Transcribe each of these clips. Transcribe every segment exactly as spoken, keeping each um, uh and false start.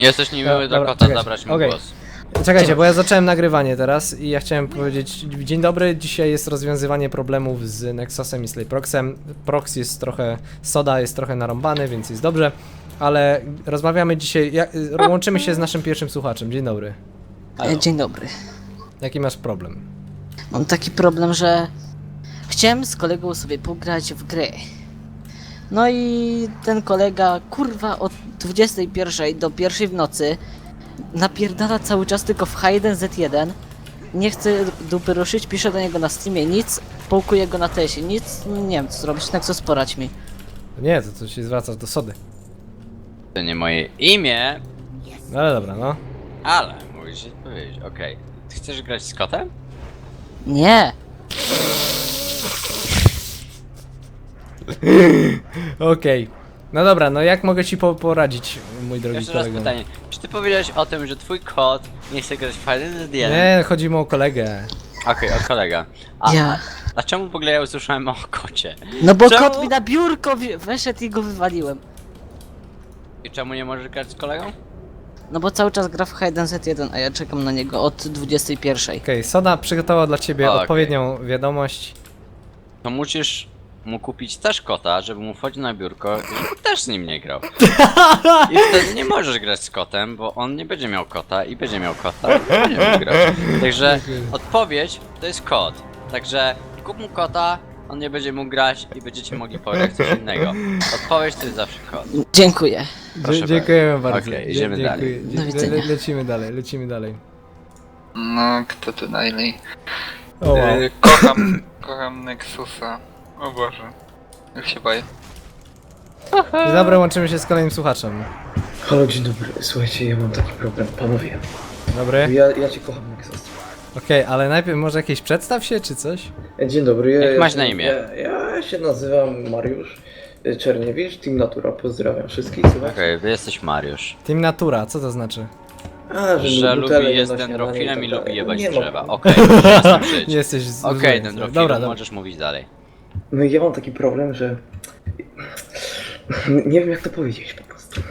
Jesteś niemiły do Dobra, kota, czekajcie. zabrać mu Okej. głos. Czekajcie, bo ja zacząłem nagrywanie teraz i ja chciałem powiedzieć dzień dobry, dzisiaj jest rozwiązywanie problemów z Nexusem i Slayproxem. Prox jest trochę, Soda jest trochę narąbany, więc jest dobrze, ale rozmawiamy dzisiaj, jak, łączymy się z naszym pierwszym słuchaczem. Dzień dobry. Halo. Dzień dobry. Jaki masz problem? Mam taki problem, że chciałem z kolegą sobie pograć w grę. No i ten kolega, kurwa, od dwudziestej pierwszej do pierwszej w nocy napierdala cały czas tylko w H jeden Z jeden. Nie chce dupy ruszyć, piszę do niego na Steamie nic, połkuję go na tesie, nic, nie wiem co zrobić, Nexus porać mi. Nie, to, to się zwracasz do Sody. To nie moje imię, No ale dobra, no. ale mówisz się powiedzieć, okej. Ty chcesz grać z kotem? Nie! Okej. No dobra, no jak mogę ci po poradzić, mój drogi Jeszcze raz kolego? pytanie. Czy ty powiedziałeś o tym, że twój kot nie chce grać w H jeden Z jeden? Nie, chodzi mu o kolegę. Okej, o kolega. A, Ja. a czemu w ogóle ja usłyszałem o kocie? No bo Czemu? kot mi na biurko wi- weszedł i go wywaliłem. I czemu nie możesz grać z kolegą? No bo cały czas gra w H jeden Z jeden, a ja czekam na niego od dwudziestej pierwszej. Okej, Soda przygotowała dla ciebie O, okej. odpowiednią wiadomość. To musisz mu kupić też kota, żeby mu wchodził na biurko i żeby też z nim nie grał. I wtedy nie możesz grać z kotem, bo on nie będzie miał kota i będzie miał kota i będzie mógł grać. Także odpowiedź to jest kot. Także kup mu kota, on nie będzie mógł grać i będziecie mogli pograć coś innego. Odpowiedź to jest zawsze kot. Dziękuję. Proszę Dzie dziękujemy bardzo. Okej, Dzie- idziemy dziękuję. dalej. Dzie- Do widzenia. Le lecimy dalej, lecimy dalej. No, kto to najmniej? O, wow. Y, kocham, kocham Nexusa. O Boże. Już się boję. Dzień dobry, łączymy się z kolejnym słuchaczem. Halo, dzień dobry. Słuchajcie, ja mam taki problem, panowie. Dobry. Ja, ja cię kocham, Nexus. Okej, ale najpierw może jakieś przedstaw się, czy coś? Dzień dobry. Ja, Jak masz ja, na imię? Ja, ja się nazywam Mariusz Czerniewicz, Team Natura. Pozdrawiam wszystkich, słuchajcie. Okej, wy jesteś Mariusz. Team Natura, co to znaczy? A, Że butele lubi nie jest na śniadanie dendrofilem i tak lubi dalej. jebać Nie drzewa. mam- Okej, możesz z tym żyć. Nie jesteś z... Okej, zły. dendrofilu, Dobra, dobra. możesz mówić dalej. No i ja mam taki problem, że... Nie wiem jak to powiedzieć po prostu.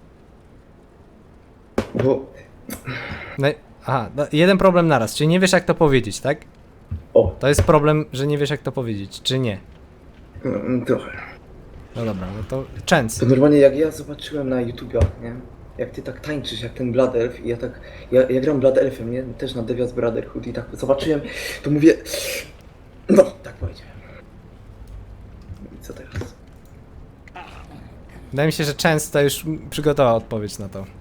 Bo... No, i- aha, no, jeden problem naraz, czyli nie wiesz jak to powiedzieć, tak? O, To jest problem, że nie wiesz jak to powiedzieć, czy nie? mm, trochę. No dobra, no to częst. To normalnie jak ja zobaczyłem na YouTubie, nie? Jak ty tak tańczysz, jak ten Blood Elf i ja tak, ja, ja gram Blood Elfem, nie? Też na Devious Brotherhood i tak zobaczyłem, to mówię, no, tak powiedziałem. I co teraz? Wydaje mi się, że częst to już przygotował odpowiedź na to.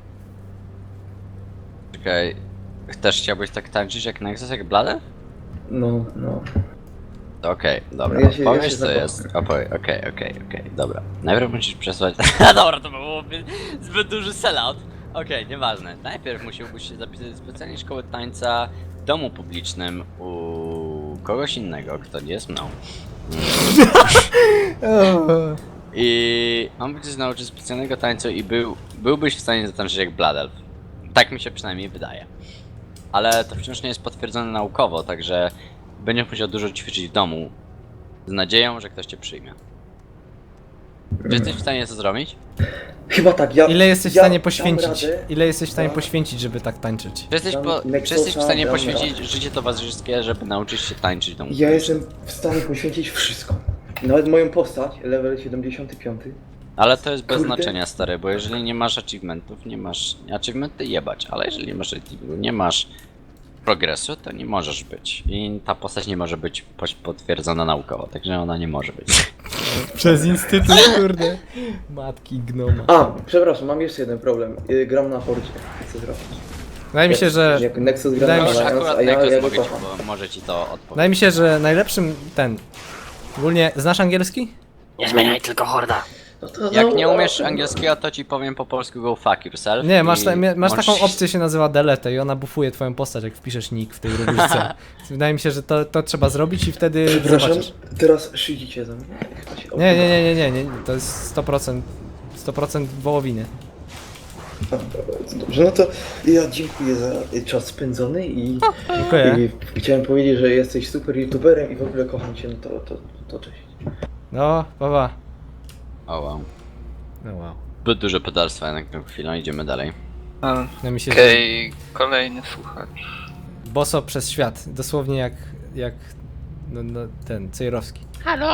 Czekaj, też chciałbyś tak tańczyć jak Nexus, jak Blade? No, no. Okej, dobra, Ja się- ja powiedz się co zakocham. jest. Okej, okej, okej, okej, dobra. Najpierw musisz przesłać... Dobra, to byłoby zbyt duży sellout. Okej, nieważne. Najpierw musiałbyś się zapisać do specjalnej szkoły tańca w domu publicznym u kogoś innego, kto nie jest mną. I on by cię nauczyć specjalnego tańca i był, byłbyś w stanie zatańczyć jak Blood Elf. Tak mi się przynajmniej wydaje. Ale to wciąż nie jest potwierdzone naukowo, także będziesz musiał dużo ćwiczyć w domu z nadzieją, że ktoś cię przyjmie. Czy jesteś w stanie to zrobić? Chyba tak, ja... Ile jesteś w ja stanie dam poświęcić? radę. Ile jesteś w stanie Ja- poświęcić, żeby tak tańczyć? Czy jesteś, Dam po, czy Nexusa, jesteś w stanie dam poświęcić radę. życie towarzyskie, żeby nauczyć się tańczyć w domu? Ja jestem w stanie poświęcić wszystko. Nawet moją postać, level siedemdziesiąty piąty. Ale to jest bez Kurde. znaczenia, stary, bo jeżeli nie masz achievementów, nie masz... Achievementy jebać, ale jeżeli nie masz achievementu, nie masz progresu, to nie możesz być. I ta postać nie może być poś- potwierdzona naukowo, także ona nie może być. Przez instytut, kurde. Matki gnoma. A, przepraszam, mam jeszcze jeden problem. Y, Gram na Hordzie. Co zrobić? Wydaje mi się, że... Jak Nexus gra wydaje na mi się- Już Alliance, akurat a ja, Nexus ja go mogę ci, kocham. bo może ci to odpowiedzieć. Wydaje mi się, że najlepszym ten... Ogólnie, znasz angielski? Nie zmieniaj tylko horda. No to, Jak no, nie no, umiesz no. angielskiego, to ci powiem po polsku go fuck yourself. Nie, masz, i ta, mia- masz możesz- taką opcję, się nazywa delete i ona bufuje twoją postać, jak wpiszesz nick w tej rubryczce. Wydaje mi się, że to, to trzeba zrobić i wtedy Przepraszam, zobaczysz. teraz szydzicie za mnie? Chyba się Nie, nie, nie, nie, nie, nie, to jest sto procent, sto procent wołowiny. Dobrze, no to ja dziękuję za czas spędzony i, Dziękuję. i chciałem powiedzieć, że jesteś super youtuberem i w ogóle kocham cię, no to, to, to cześć. No, baba. O wow. No wow. Zbyt duże pedalstwa jednak na chwilę, idziemy dalej. A, No mi się Okej, kolejny słuchacz. Boso przez świat, dosłownie jak, jak no, no, ten, Cejrowski. Halo?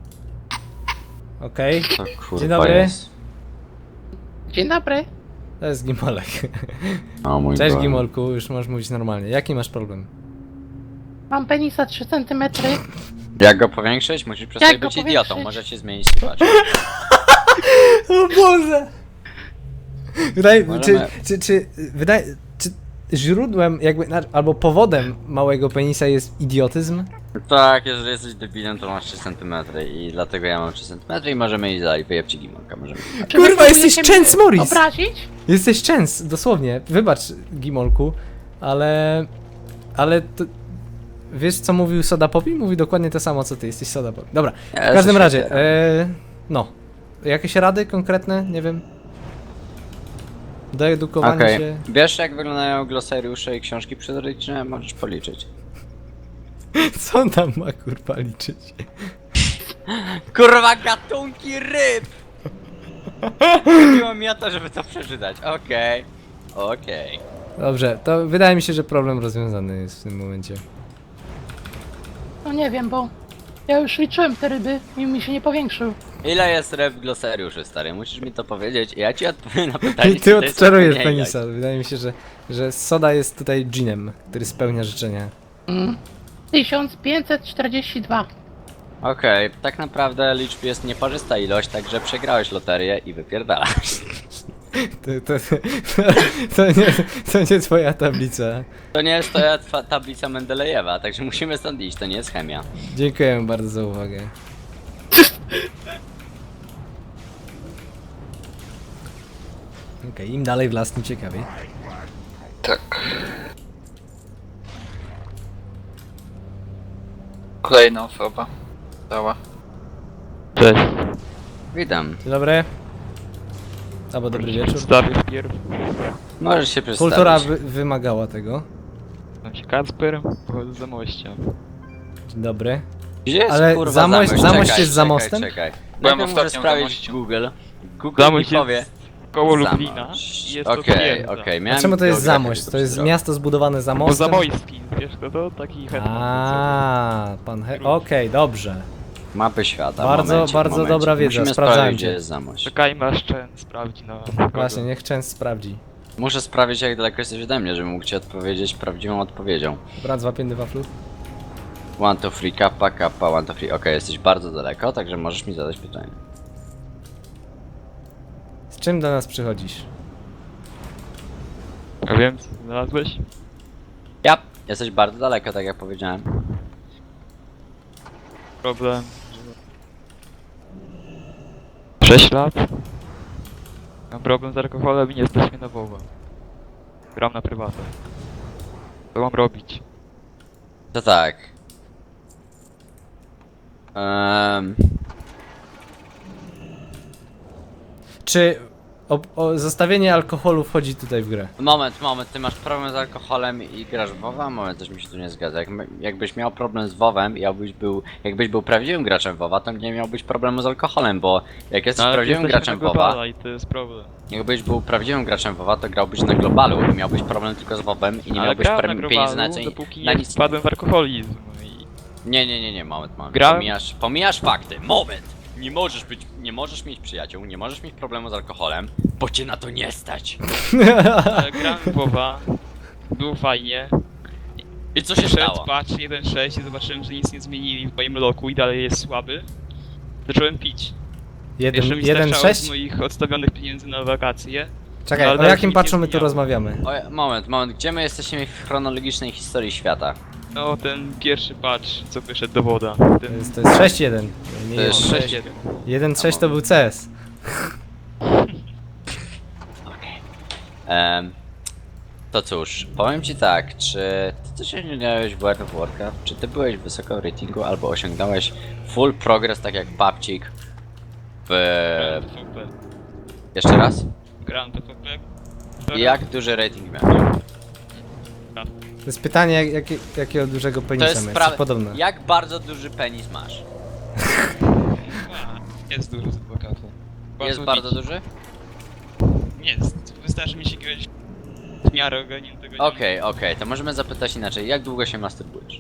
Okej, To kurwa Dzień dobry. jest. Dzień dobry. to jest Gimolek. O mój Cześć Boże. Gimolku, już możesz mówić normalnie. Jaki masz problem? Mam penisa trzy centymetry. Jak go powiększyć? Musisz przestać Jak go być idiotą, powiększyć? możecie zmienić sytuację. O Boże! Wydaje, czy, Możemy- czy, czy, wydaje, czy źródłem jakby, na- albo powodem małego penisa jest idiotyzm? Tak, jeżeli jesteś debilem, to masz trzy centymetry i dlatego ja mam trzy centymetry i możemy iść dalej, wyjebcie Gimonka, możemy. Czy Kurwa, wy jesteś próbujecie Chance mnie Morris! Obrazić? Jesteś częst, dosłownie. Wybacz, Gimolku, ale... Ale to... Wiesz, co mówił Soda Poppy? Mówi dokładnie to samo, co ty. Jesteś Soda Poppy. Dobra, Ja w każdym coś razie, otwieram. e, no. Jakieś rady konkretne? Nie wiem. Doedukowanie Okej, się... wiesz jak wyglądają glosariusze i książki przyrodnicze? Możesz policzyć. Co on tam ma, kurwa, liczyć? Kurwa, gatunki ryb! Chodziło mi o to, żeby to przeczytać. Okej, okej. Dobrze, to wydaje mi się, że problem rozwiązany jest w tym momencie. No nie wiem, bo ja już liczyłem te ryby i mi się nie powiększył. Ile jest ryb w glosariuszu, stary? Musisz mi to powiedzieć i ja ci odpowiem na pytanie. I czy ty to jest odczarujesz odpowiednia penisa. Wydaje mi się, że, że Soda jest tutaj dżinem, który spełnia życzenia. tysiąc pięćset czterdzieści dwa. Okej, tak naprawdę liczb jest nieparzysta ilość, także przegrałeś loterię i wypierdalasz. To, to, to, to, nie, to nie twoja tablica. To nie jest to twa tablica Mendelejewa, także musimy stąd iść, to nie jest chemia. Dziękuję bardzo za uwagę. Okej, im dalej w las, tym ciekawiej. Tak. Kolejna osoba. Dała. Cześć. Witam. Dzień dobry. Albo dobry wieczór. Przedstawię wpierw. Możesz się przedstawić. Kultura wy wymagała tego. Nazywam się Kacper, pochodzę z Zamościa. Dzień dobry. Gdzie jest Ale kurwa Zamość- Zamość? Zamość Czekaj, jest za czekaj, mostem? Czekaj. Byłem Najpierw muszę ostatnio w sprawdzić Zamościu. Google. Google Zamość mi powie. jest koło Zamość. Lublina i jest to Okej, twierdza. okej, A miałem czemu to jest geografię Zamość? tylko To jest przez rok. miasto zbudowane za Bo mostem? Zamojski, wiesz kto to? Taki hetman. A, pan he... Okej, dobrze. Mapy świata. Bardzo, momencik, bardzo momencik. dobra wiedza, Musimy sprawdzałem sprawdzić, cię. gdzie jest Zamość. Czekajmy aż Chen sprawdzi na... Właśnie, niech często sprawdzi. Muszę sprawdzić, jak daleko jesteś ode mnie, żebym mógł ci odpowiedzieć prawdziwą odpowiedzią. Brat złapięty waflu. One to free, kappa, kappa, one to free. Okej, jesteś bardzo daleko, także możesz mi zadać pytanie. Z czym do nas przychodzisz? A wiem, co znalazłeś? Ja, jesteś bardzo daleko, tak jak powiedziałem. Problem, że... sześć lat. Mam problem z alkoholem i nie stać mnie na WoWa. Gram na prywatę. Co mam robić? To tak. Um, Czy o, o, zostawienie alkoholu wchodzi tutaj w grę? moment, moment, ty masz problem z alkoholem i grasz w WoWa? Moment, coś mi się tu nie zgadza. Jak, jakbyś miał problem z WoWem i jakbyś był, jakbyś był prawdziwym graczem WoWa, to nie miałbyś problemu z alkoholem, bo jak jesteś No, ale prawdziwym jesteśmy graczem na WoWa, globala i to jest problem. jakbyś był prawdziwym graczem WoWa, to grałbyś na globalu i miałbyś problem tylko z WoWem i nie Ale miałbyś grałem pre- na pieniędzy globalu, na, co- dopóki na nie nic. wpadłem w alkoholizm. I... Nie, nie, nie, nie, moment, moment. Grałem- Pomijasz, pomijasz fakty. Moment! Nie możesz być, nie możesz mieć przyjaciół, nie możesz mieć problemu z alkoholem, bo cię na to nie stać. Ale grałem w WoWa, było fajnie. I co się Przed stało? patch jeden sześć i zobaczyłem, że nic nie zmienili w moim loku i dalej jest słaby. Zacząłem pić. Jeden, Jeszcze mi jeden starczało z sześć? moich odstawionych pieniędzy na wakacje. Czekaj, No, o ale jakim nic nie patchu my tu zmieniało. rozmawiamy? O, moment, moment, gdzie my jesteśmy w chronologicznej historii świata? No ten pierwszy patch, co wyszedł do woda. To Ten jest, to jest sześć jeden. Nie To jest jeden. sześć. sześć jeden. jeden sześć to był C S. Okej. Em, to cóż, powiem ci tak, czy ty coś osiągnąłeś w World of Warcraft? Czy ty byłeś wysoko w ratingu albo osiągnąłeś full progress tak jak Papcik w... Grałem P V P. Jeszcze raz? Grałem P V P. I jak duży rating miałeś? To jest pytanie, jak, jakie, jakiego dużego To penisa jest ma, sprawa. podobne. Jak bardzo duży penis masz? A, Jest dużo z adwokata. Jest bardzo duży? Nie, wystarczy mi się jakiegoś w miarę ogarniętego nie Okej, okej, to możemy zapytać inaczej. Jak długo się masturbujesz?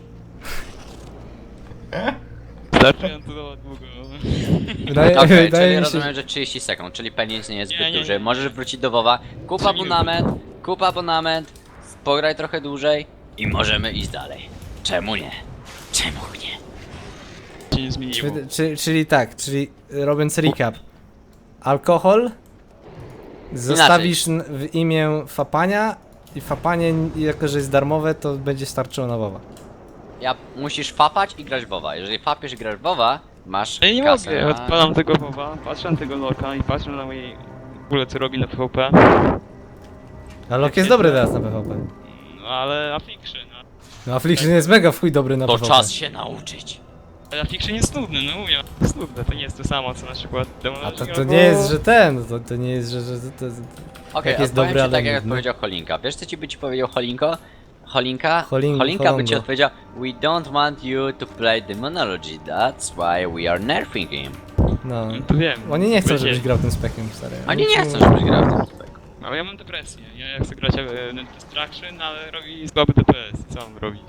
Wystarczająco długo. Wydaje, Okej, wydaje czyli mi się, rozumiem, że trzydzieści sekund, czyli penis nie jest Nie, zbyt nie, duży. nie. Możesz wrócić do WoWa, kup Trzy minuty. abonament, kup abonament, pograj trochę dłużej i możemy iść dalej. Czemu nie? Czemu nie? Się nie zmieniło. Czy, czy, czyli tak, czyli robiąc recap. Alkohol zostawisz n- w imię fapania i fapanie, jako że jest darmowe, to będzie starczyło na WoWa. Ja musisz fapać i grać w WoWa. Jeżeli fapiesz i grasz w WoWa, masz Ja nie kasę mogę, na... odpalam tego WoWa, patrzę na tego Lorka i patrzę na mojej... w ogóle co robi na PvP. A Lok jest dobry teraz na PvP. No ale Affliction, no. No Affliction jest mega w chuj dobry na To PvP. czas się nauczyć. Ale Affliction jest nudny, no mówię. Jest nudne, to nie jest to samo co na przykład Demon A to, Hunter to albo- nie jest, że ten, to, to nie jest, że... że to, to, Okej, Jak jest odpowiem dobry, ci ale tak jak nudny. odpowiedział Cholinka. Wiesz co ci by ci powiedział Cholinko? Cholinka? Holin- Cholinka by ci Holongo. odpowiedział: We don't want you to play Demonology, that's why we are nerfing him. no. No to wiem. Oni nie chcą, Wiecie, żebyś grał tym spekiem, stary. Oni nie ci chcą, mówią- żebyś grał w tym speku. Ale ja mam depresję. Ja chcę grać e, Net Destruction, ale robi słaby D P S. Co mam robić?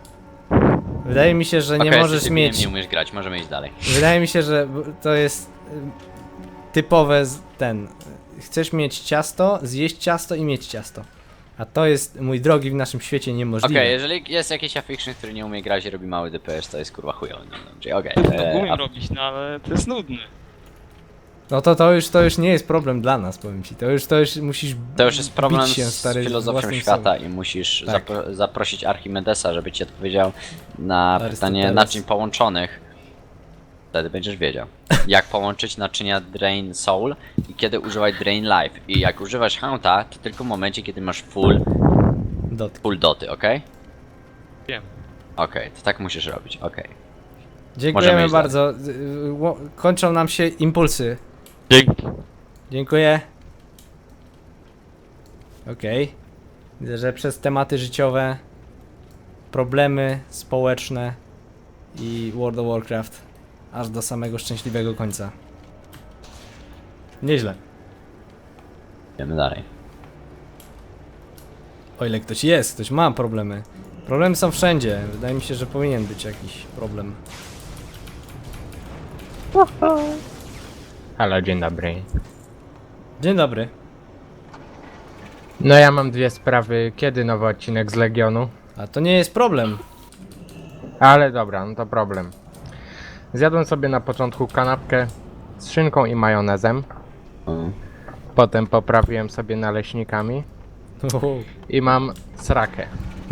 Wydaje mi się, że nie Okej, możesz jesteś mieć... Nie umiesz grać, możemy iść dalej. Wydaje mi się, że b- to jest y, typowe z ten. Chcesz mieć ciasto, zjeść ciasto i mieć ciasto. A to jest, mój drogi, w naszym świecie niemożliwe. Okej, jeżeli jest jakiś affliction, który nie umie grać i robi mały D P S, to jest kurwa chujowy. No, czyli okej. To e, umiem a- robić, no ale to jest nudne. No to, to, już, to już nie jest problem dla nas, powiem ci. To już, to już musisz To już jest problem bić się, z stary, filozofią własnym świata sobą. i musisz Tak. zapro zaprosić Archimedesa, żeby ci odpowiedział na pytanie Arystoteles. naczyń połączonych. Wtedy będziesz wiedział, jak połączyć naczynia Drain Soul i kiedy używać Drain Life. I jak używasz Haunta, to tylko w momencie, kiedy masz full, Dot. full doty, ok? Wiem. Okej, to tak musisz robić, okej. Dziękujemy Możemy iść bardzo. Y, y, ło- Kończą nam się impulsy. Dzięki. Dziękuję. Okej. Widzę, że przez tematy życiowe, problemy społeczne i World of Warcraft aż do samego szczęśliwego końca. Nieźle. Idziemy dalej. O ile ktoś jest, ktoś ma problemy. Problemy są wszędzie. Wydaje mi się, że powinien być jakiś problem. Halo, dzień dobry. Dzień dobry. No ja mam dwie sprawy. Kiedy nowy odcinek z Legionu? A to nie jest problem. Ale dobra, no to problem. Zjadłem sobie na początku kanapkę z szynką i majonezem. Mm. Potem poprawiłem sobie naleśnikami i mam srakę.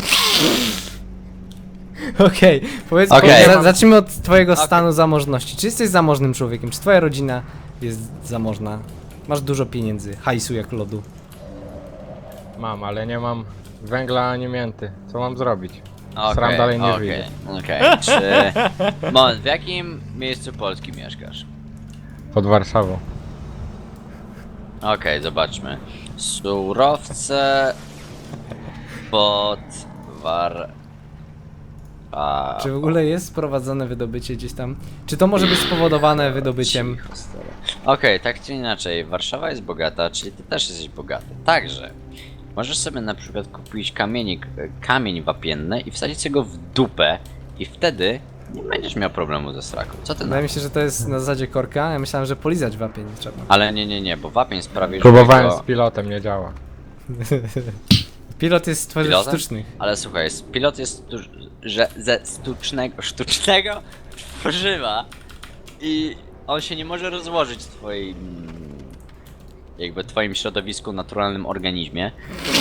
Okej, powiedz, Okej. powiedz za, zacznijmy od twojego Okej. stanu zamożności. Czy jesteś zamożnym człowiekiem? Czy twoja rodzina jest zamożna? Masz dużo pieniędzy, hajsu jak lodu. Mam, ale nie mam węgla ani mięty. Co mam zrobić? Okej, Sram dalej nie okej, wyjdzie. Okej, czy... Moment, w jakim miejscu Polski mieszkasz? Pod Warszawą. Okej, zobaczmy. Surowce pod war... A... Czy w ogóle jest sprowadzone wydobycie gdzieś tam? Czy to może być spowodowane wydobyciem? Cicho, stary. Okej, tak czy inaczej, Warszawa jest bogata, czyli ty też jesteś bogaty. Także możesz sobie na przykład kupić kamienik, kamień wapienny i wsadzić sobie go w dupę i wtedy nie będziesz miał problemu ze sraką. Co ty na... Wydaje mi się, że to jest na zasadzie korka. Ja myślałem, że polizać wapień trzeba. Ale nie, nie, nie, bo wapień sprawi, że Próbowałem jego- z pilotem, nie działa. Pilot jest z tworzyw Pilotem? sztucznych. Ale słuchaj, s- pilot jest tu, że ze sztucznego, sztucznego tworzywa i on się nie może rozłożyć w twoim, jakby twoim środowisku, naturalnym organizmie.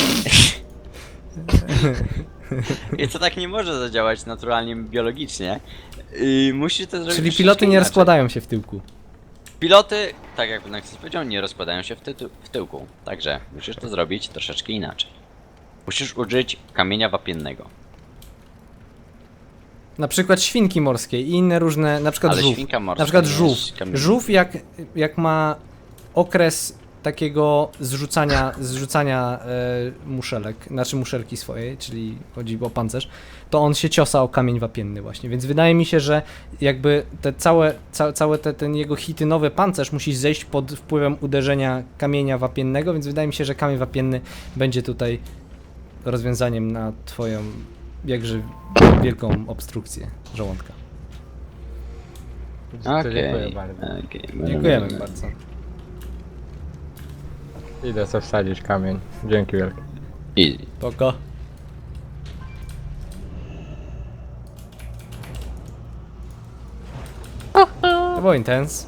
I to tak nie może zadziałać naturalnie, biologicznie. I musisz to zrobić Czyli troszeczkę piloty nie inaczej. rozkładają się w tyłku. Piloty, tak jak Nexus powiedział, nie rozkładają się w, tytu- w tyłku. Także musisz to zrobić troszeczkę inaczej. Musisz użyć kamienia wapiennego. Na przykład świnki morskie i inne różne, na przykład Ale żółw. świnka morska Na przykład nie żółw. jest kamieniem. Żółw jak, jak ma okres takiego zrzucania, zrzucania e, muszelek, znaczy muszelki swojej, czyli chodzi o pancerz, to on się ciosa o kamień wapienny właśnie, więc wydaje mi się, że jakby te całe, ca, całe te, ten jego chitynowy pancerz musi zejść pod wpływem uderzenia kamienia wapiennego, więc wydaje mi się, że kamień wapienny będzie tutaj rozwiązaniem na twoją jakże wielką obstrukcję żołądka. To Okej. Dziękuję bardzo. okej. Dziękujemy bardzo. Idę sobie wsadzić kamień. Dzięki wielkie. Easy. Poko. To było intens.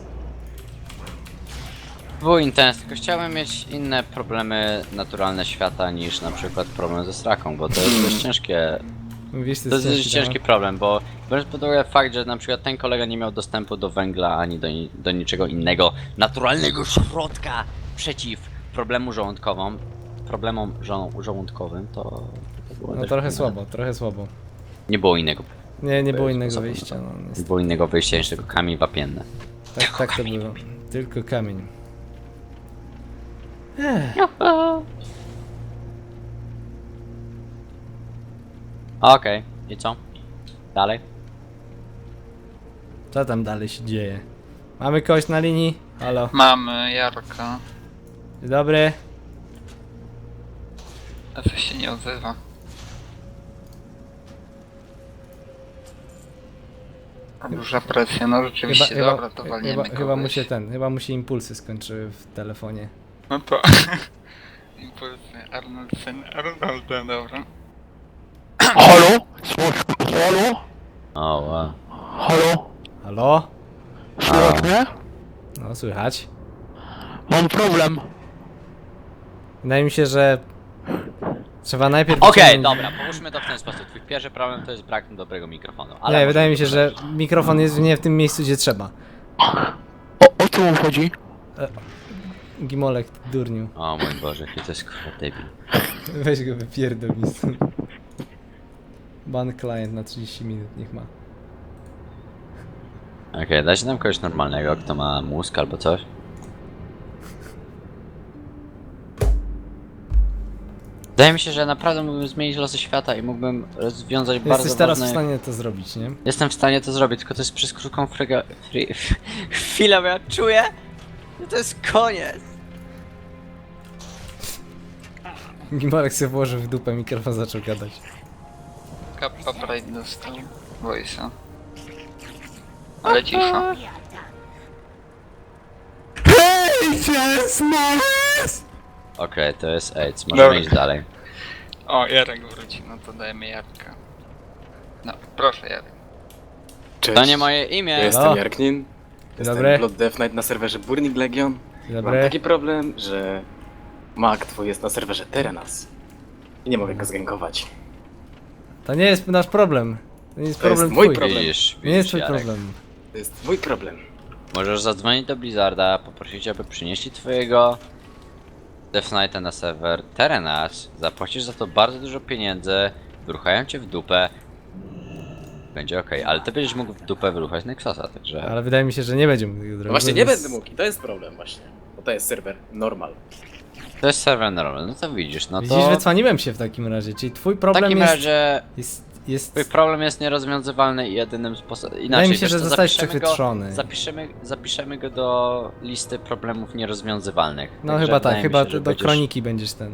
Był intens, tylko chciałbym mieć inne problemy naturalne świata niż na przykład problem ze straką, bo to jest dość ciężkie. Wiesz, to To jest jest dość ciężki ciężki temat. problem, bo biorąc pod uwagę fakt, że na przykład ten kolega nie miał dostępu do węgla ani do, ni- do niczego innego naturalnego środka przeciw problemu żołądkowym, problemom żo- żołądkowym, to, to było No dość trochę trudne. słabo, trochę słabo. Nie było innego, Nie, nie było Bez innego sposobu, wyjścia, no nie niestety. było innego wyjścia niż tylko kamień wapienne. Tak, tak to było. Tylko kamień. Ech. Okej, i co? Dalej? Co tam dalej się dzieje? Mamy kogoś na linii? Halo. Mamy Jarka, Dzień dobry. a coś się nie odzywa. Duża presja, no rzeczywiście, dobra, to walniemy chyba, chyba mu kogoś. się ten, chyba mu się impulsy skończyły w telefonie. No to... Impulsy, Arnoldsen, Arnolda, dobra. Halo? Słysz, halo? O, wow. Halo? Halo? Słychać mnie? No słychać. Mam problem. Wydaje mi się, że trzeba najpierw Okej, wyciągnąć- dobra, połóżmy to w ten sposób. Twój pierwszy problem to jest brak dobrego mikrofonu. Ale Nie, możemy wydaje mi to się, że poprawić. mikrofon jest nie w tym miejscu, gdzie trzeba. O, o co mu chodzi? Gimolek, ty durniu. O mój Boże, jaki to jest kurwa debil. Weź go wypierdol mi stąd. Ban client na trzydzieści minut, niech ma. Okej, dajcie nam kogoś normalnego, kto ma mózg albo coś. Wydaje mi się, że naprawdę mógłbym zmienić losy świata i mógłbym rozwiązać bardzo Jesteś teraz w ważne... stanie to zrobić, nie? Jestem w stanie to zrobić, tylko to jest przez krótką frega... Fri... chwilę, bo ja czuję, że to jest koniec. Gimolek sobie włożył w dupę, mikrofon zaczął gadać. Kappa Pride dostał voice'a. Ale cisza. Okej, to jest AIDS, możemy Dobra. iść dalej. O, Jarek wróci, no to dajemy Jarka. No, proszę Jarek. Cześć, To nie moje imię. ja jestem O. Jarknin. Jestem Dobry. Blood Death Knight na serwerze Burning Legion. Dzień Mam dobry. taki problem, że mag twój jest na serwerze Terenas. I nie mogę go zgankować. To nie jest nasz problem. To nie jest To jest problem mój twój. problem. Widzisz, Nie jest widzisz, twój Jarek. problem. To jest mój problem. Możesz zadzwonić do Blizzarda, poprosić, aby przynieśli twojego Death Knighta na serwer Terenas, zapłacisz za to bardzo dużo pieniędzy, wyruchają cię w dupę, będzie okej, ale ty będziesz mógł w dupę wyruchać Nexusa, także... Ale wydaje mi się, że nie będzie mógł tego No zrobić. właśnie bo nie to jest- będę mógł i to jest problem właśnie. Bo to jest serwer normal. To jest serwer normalny, no to widzisz, no Widzisz, to... wycwaniłem się w takim razie, czyli twój W problem takim jest, razie jest, jest... twój problem jest nierozwiązywalny i jedynym sposobem... Inaczej, Wydaje mi się, wiesz że co, zostałeś zapiszemy przechwytrzony. Go, zapiszemy, zapiszemy go do listy problemów nierozwiązywalnych. No Także chyba tak, wydaje mi chyba się, że do będziesz- kroniki będziesz ten.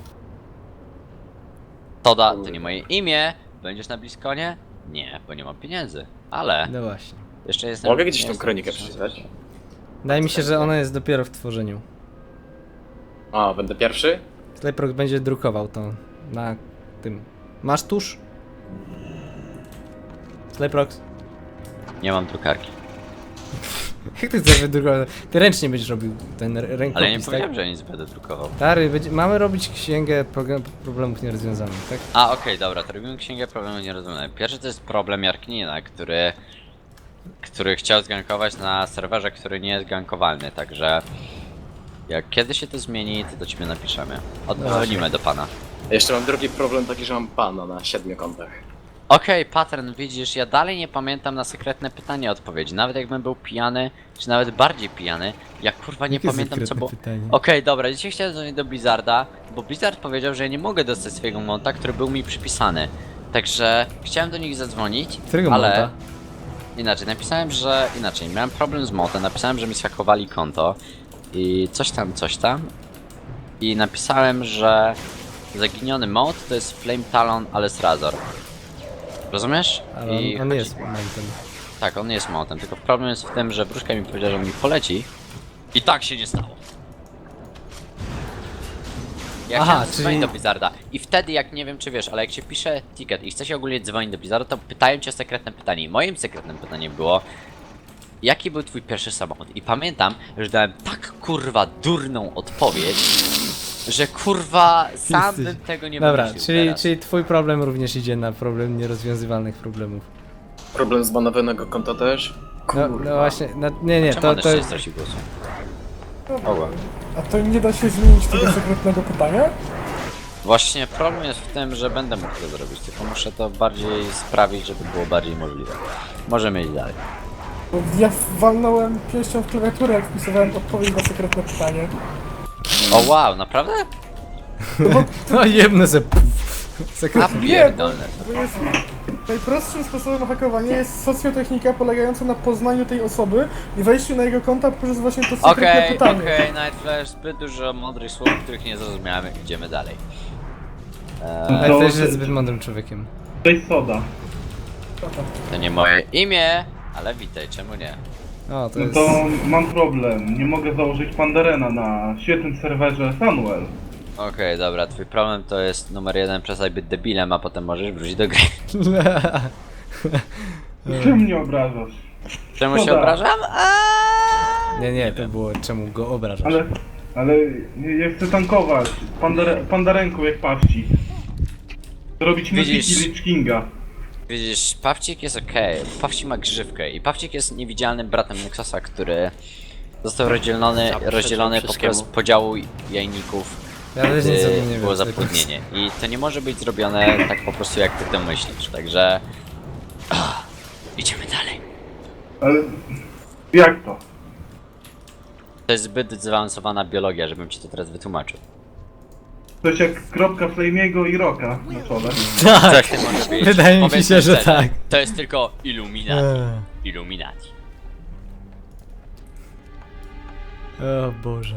Toda, to nie moje imię, będziesz na Bliskonie? Nie, bo nie mam pieniędzy, ale No właśnie. jeszcze jestem... Mogę gdzieś nie tą jestem kronikę tysiąc- przeczytać? Wydaje mi się, że ona jest dopiero w tworzeniu. O, będę pierwszy? Slayprox będzie drukował to na tym. Masz tusz? Slayprox? Nie mam drukarki. Jak ty chcesz wydrukować? Ty ręcznie będziesz robił ten r- rękopis, Ale nie tak? powiedziałem, że nic będę drukował. Stary, będzie, mamy robić księgę program- problemów nierozwiązanych, tak? A, okej, dobra, to robimy księgę problemu nierozwiązanych. Pierwszy to jest problem Jarknina, który... który chciał zgankować na serwerze, który nie jest gankowalny, także... Jak kiedy się to zmieni, to do ciebie napiszemy. Oddzwonimy do pana. Jeszcze mam drugi problem taki, że mam pana na siedmiu kontach. Okej, pattern, widzisz, ja dalej nie pamiętam na sekretne pytanie odpowiedzi. Nawet jakbym był pijany, czy nawet bardziej pijany, ja kurwa nie Jakie pamiętam co sekretne było... pytanie? Okej, dobra, dzisiaj chciałem dzwonić do Blizzarda, bo Blizzard powiedział, że ja nie mogę dostać swojego monta, który był mi przypisany. Także chciałem do nich zadzwonić, Którego ale... monta? Inaczej, napisałem, że... Inaczej, miałem problem z montem, napisałem, że mi zhakowali konto i coś tam, coś tam. I napisałem, że zaginiony mod to jest Flame Talon Alice Razor. Rozumiesz? Ale on, I on chodzi- jest momentem. Tak, on nie jest montem, tylko problem jest w tym, że wróżka mi powiedziała, że mi poleci i tak się nie stało. Ja Aha, chciałem czyli- dzwonić do Blizzarda i wtedy, jak nie wiem czy wiesz, ale jak się pisze ticket i chce się ogólnie dzwonić do Blizzarda, to pytają cię o sekretne pytanie. I moim sekretnym pytaniem było, jaki był twój pierwszy samochód? I pamiętam, że dałem tak kurwa durną odpowiedź, że kurwa sam Jesteś- bym tego nie Dobra, wymyślił czyli, teraz. czyli twój problem również idzie na problem nierozwiązywalnych problemów. Problem z banowanego konta też? No, no właśnie, no, nie, nie, Czemu to, on to jeszcze nie jest... stracił głosu? A to nie da się zmienić tego sekretnego pytania? Właśnie problem jest w tym, że będę mógł to zrobić, tylko muszę to bardziej sprawić, żeby było bardziej możliwe. Możemy iść dalej. Bo ja walnąłem pięścią w klawiaturę, jak wpisywałem odpowiedź na sekretne pytanie. O wow, naprawdę? No jebne se... A Sekret... pierdolne. To jest najprostszym sposobem hakowania jest socjotechnika polegająca na poznaniu tej osoby i wejściu na jego konta poprzez właśnie to sekretne Okej, pytanie. okej, Night Flash, zbyt dużo mądrych słów, których nie zrozumiałem, idziemy dalej. Ale Eee, też jest zbyt mądrym człowiekiem. soda. to nie moje imię, ale witaj, czemu nie? O, to No jest... to mam problem. Nie mogę założyć Pandarena na świetnym serwerze Sunwell. Okej, dobra, twój problem to jest numer jeden, przestań być debilem, a potem możesz wrócić do gry. Czym mnie obrażasz? Czemu się Szkoda. obrażam? Aaaa! Nie, nie, to było czemu go obrażasz. Ale, ale ja chcę tankować. Pandare, pandarenką jak Pawci. Zrobić Widzisz. Mythic Lich Kinga. Widzisz, Pawcik jest okej, Pawcik ma grzywkę i Pawcik jest niewidzialnym bratem Nexusa, który został rozdzielony, Zaprzeczam rozdzielony wszystkiemu. poprzez podziału jajników. Ja też nic o Gdy tym nie było wiem. zapłodnienie. I to nie może być zrobione tak po prostu jak ty to myślisz, także... Ah, idziemy dalej. Ale jak to? To jest zbyt zaawansowana biologia, żebym ci to teraz wytłumaczył. Coś jak kropka Flamiego i Roka na czole. Tak, Tak to może być. wydaje mi Powiedzmy się, że szczerze, tak. To jest tylko Illuminati. Eee. Illuminati. O Boże.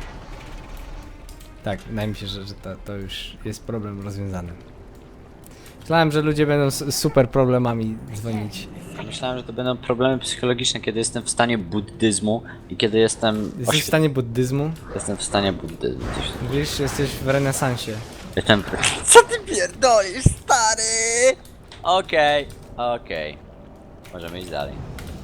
Tak, wydaje mi się, że, że to, to już jest problem rozwiązany. Myślałem, że ludzie będą z super problemami dzwonić. Myślałem, że to będą problemy psychologiczne, kiedy jestem w stanie buddyzmu i kiedy jestem... Jesteś w oświe- stanie buddyzmu? Jestem w stanie buddyzmu. Coś... Wiesz, jesteś w renesansie. Jestem... Co ty pierdolisz, stary? Okej, okej. Możemy iść dalej.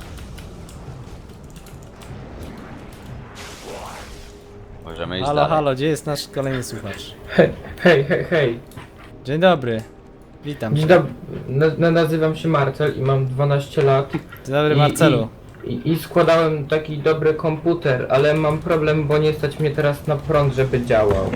Możemy iść Halo, dalej. halo, gdzie jest nasz kolejny słuchacz? Hej, hej, hej, hej. Dzień dobry. Witam Dzień cię. dobry. Na, nazywam się Marcel i mam dwanaście lat. Dzień dobry, I- Marcelu. I, I składałem taki dobry komputer, ale mam problem, bo nie stać mnie teraz na prąd, żeby działał.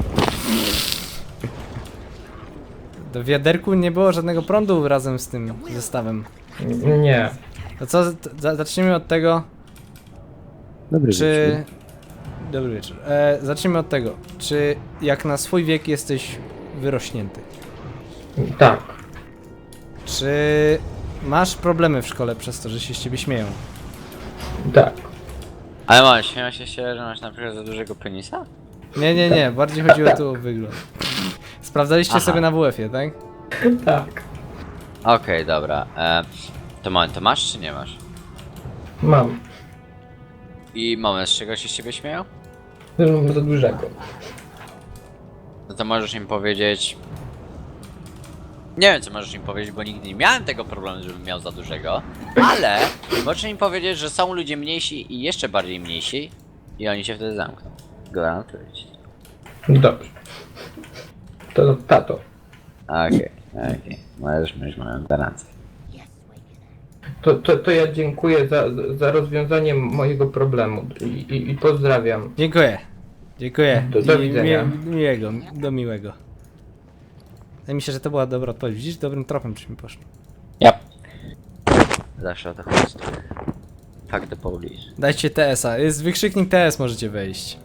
Do wiaderku nie było żadnego prądu razem z tym zestawem. N- Nie. To co, t- za- zacznijmy od tego, Dobry czy... Dobry wieczór. E, zacznijmy od tego, czy jak na swój wiek jesteś wyrośnięty? Tak. Czy masz problemy w szkole przez to, że się z ciebie śmieją? Tak. Ale masz, śmieją się, się, że masz na przykład za dużego penisa? Nie, nie, nie, bardziej chodziło tu o wygląd. Sprawdzaliście Aha. sobie na W F-ie, tak? Tak. Okej, dobra. E, to moment, to masz czy nie masz? Mam. I moment, z czego się z ciebie śmieją? Mam za dużego. No to możesz im powiedzieć... Nie wiem co możesz im powiedzieć, bo nigdy nie miałem tego problemu, żebym miał za dużego. Ale możesz im powiedzieć, że są ludzie mniejsi i jeszcze bardziej mniejsi i oni się wtedy zamkną. Gwarantuję ci. Dobrze. To tato. Okej, okej. Możesz mieć moją gwarancję. To, to, to ja dziękuję za, za rozwiązanie mojego problemu i, i, i pozdrawiam. Dziękuję. Dziękuję. Do- do I widzenia. Mi, miłego, do miłego. Wydaje mi się, że to była dobra odpowiedź. Widzisz, dobrym tropem czy mi poszło. Yep. Zawsze o to chodzi. Fuck the police. Dajcie T S-a. Jest wykrzyknik T S, możecie wejść.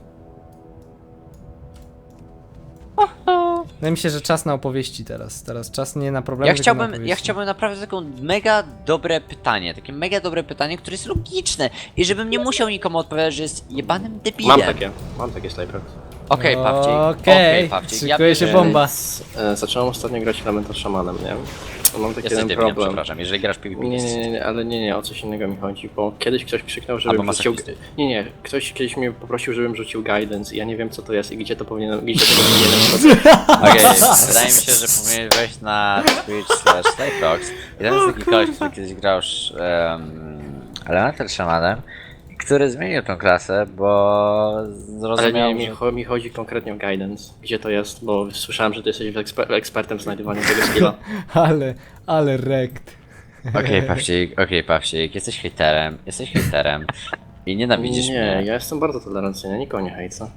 Wydaje mi się, że czas na opowieści teraz. Teraz czas nie na problemy, Ja tylko na chciałbym, opowieści. ja chciałbym naprawdę taką mega dobre pytanie, takie mega dobre pytanie, które jest logiczne i żebym nie musiał nikomu odpowiadać, że jest jebanym debilem. Mam takie, mam takie Slayprox. Okej, Pawcik. Okej, Okej, Pawcik. szykuje się wiem, bomba. E, zacząłem ostatnio grać Elementor Shamanem, nie? Mam taki Jesteś jeden debilem, problem. przepraszam, jeżeli grasz PvP. Nie, nie, nie, nie, ale nie, nie, o coś innego mi chodzi, bo kiedyś ktoś krzyknął, żebym Albo rzucił... masochisty. Nie, nie, ktoś kiedyś mnie poprosił, żebym rzucił guidance i ja nie wiem co to jest i gdzie to powinienem, gdzie tego powinienem Okej, wydaje mi się, że powinien wejść na Twitch slash Slayprox. I tam jest taki koleś, który kiedyś grał już um, Elemental Shamanem, który zmienił tą klasę, bo Ale zrozumiał, nie, mi, że... cho- mi chodzi konkretnie o guidance. Gdzie to jest, bo słyszałem, że ty jesteś eksper ekspertem w znajdowaniu tego skilla. Ale, ale rekt. Okej, Pawcik, okej, Pawcik, jesteś hejterem, jesteś hejterem i nienawidzisz Nie, mnie. ja jestem bardzo tolerancyjny, nikogo nie hejcę.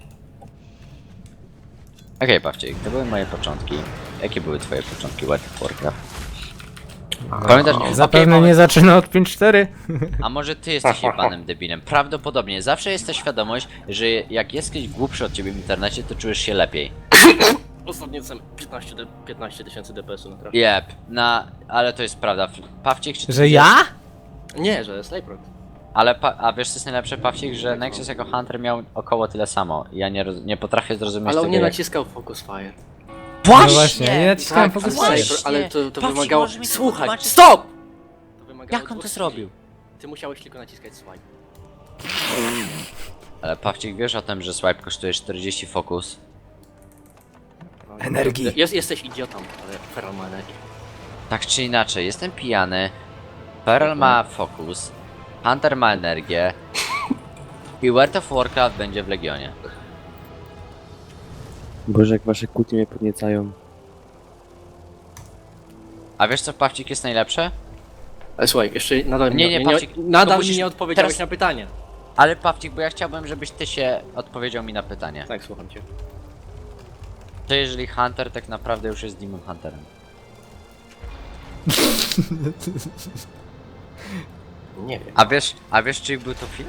Okej, Pawcik, to były moje początki. Jakie były twoje początki World of Warcraft? Pamiętasz? okej, Zapewne mamy- nie zaczyna od pięć cztery. A może ty jesteś jebanym debilem? Prawdopodobnie. Zawsze jest ta świadomość, że jak jest ktoś głupszy od ciebie w internecie, to czujesz się lepiej. Ostatnio jestem piętnaście tysięcy D P S-u na trafię. Jep, na... ale to jest prawda. Pawcik, czy ty Że wiesz- ja? Nie, że Slayprox. Ale pa... a wiesz co jest najlepsze, Pawcik, że Nexus jako Hunter miał około tyle samo. Ja nie, roz... nie potrafię zrozumieć Ale on tego nie jak... naciskał Focus Fire. Właśnie! No właśnie, ja nie naciskałem Tak, Focus ale- Fire. ale to, to Pawcik, wymagało... możesz mi to Słuchaj, wytłumaczyć? stop! To wymagało Jak on to dwóch zrobił? skilli. Ty musiałeś tylko naciskać swipe. Ale Pawcik, wiesz o tym, że swipe kosztuje czterdzieści fokus? No, Energii. Jest, jesteś idiotą, ale Feral ma energię. Tak czy inaczej, jestem pijany, Feral ma fokus, Hunter ma energię i World of Warcraft będzie w Legionie. Boże, jak wasze kłótnie mnie podniecają. A wiesz co, Pawcik, jest najlepsze? Ale słuchaj, jeszcze nadal, Nie, mi, nie, nie, Pawcik, nadal to mi musisz- nie odpowiedziałeś teraz- na pytanie. Ale Pawcik, bo ja chciałbym, żebyś ty się odpowiedział mi na pytanie. Tak, słucham cię. To jeżeli Hunter tak naprawdę już jest Demon Hunterem. Nie wiem. A wiesz, a wiesz czyj był to film?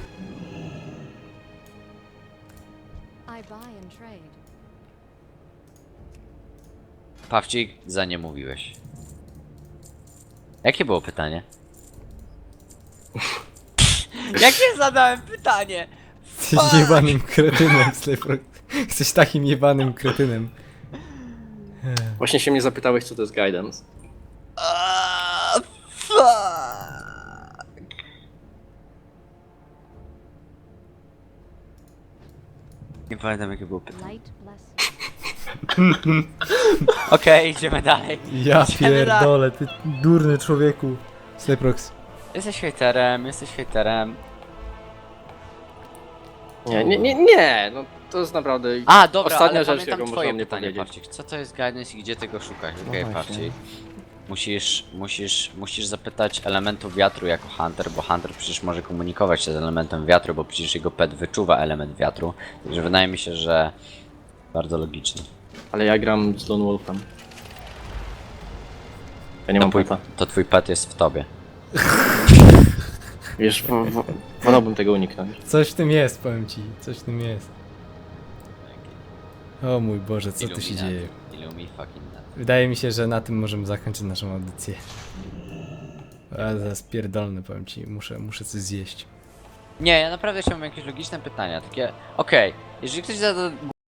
Pawcik, za nie mówiłeś. Jakie było pytanie? Jakie zadałem pytanie? Jesteś jebanym kretynem, Slayprox. Jesteś takim jebanym kretynem. Właśnie się mnie zapytałeś, co to jest guidance. Ah, fuck. Nie pamiętam jakie było pytanie. Okej, idziemy dalej. Ja Idziemy dalej. pierdolę, ty durny człowieku. Slayprox. Jesteś hejterem, jesteś hejterem. Nie, nie, nie, nie, no to jest naprawdę A, dobra, ostatnia ale rzecz, pamiętam jaką twoje można mnie pytanie, powiedzieć. Pawcik. Co to jest guidance i gdzie tego szukać? Okej, No właśnie. Pawcik. Musisz, musisz, musisz zapytać elementu wiatru jako Hunter, bo Hunter przecież może komunikować się z elementem wiatru, bo przecież jego pet wyczuwa element wiatru. Także wydaje mi się, że bardzo logicznie. Ale ja gram z Lone Wolfem. Ja nie To mam twój, peta. to twój pet jest w tobie. Wiesz, w, w, wolałbym tego uniknąć. Coś w tym jest, powiem ci. Coś w tym jest. O mój Boże, co tu się Illuminati. dzieje? Illumi fucking nut. Wydaje mi się, że na tym możemy zakończyć naszą audycję. Ale zaraz pierdolny, powiem ci. Muszę, muszę coś zjeść. Nie, ja naprawdę chciałbym jakieś logiczne pytania, takie... Okej, jeżeli ktoś zada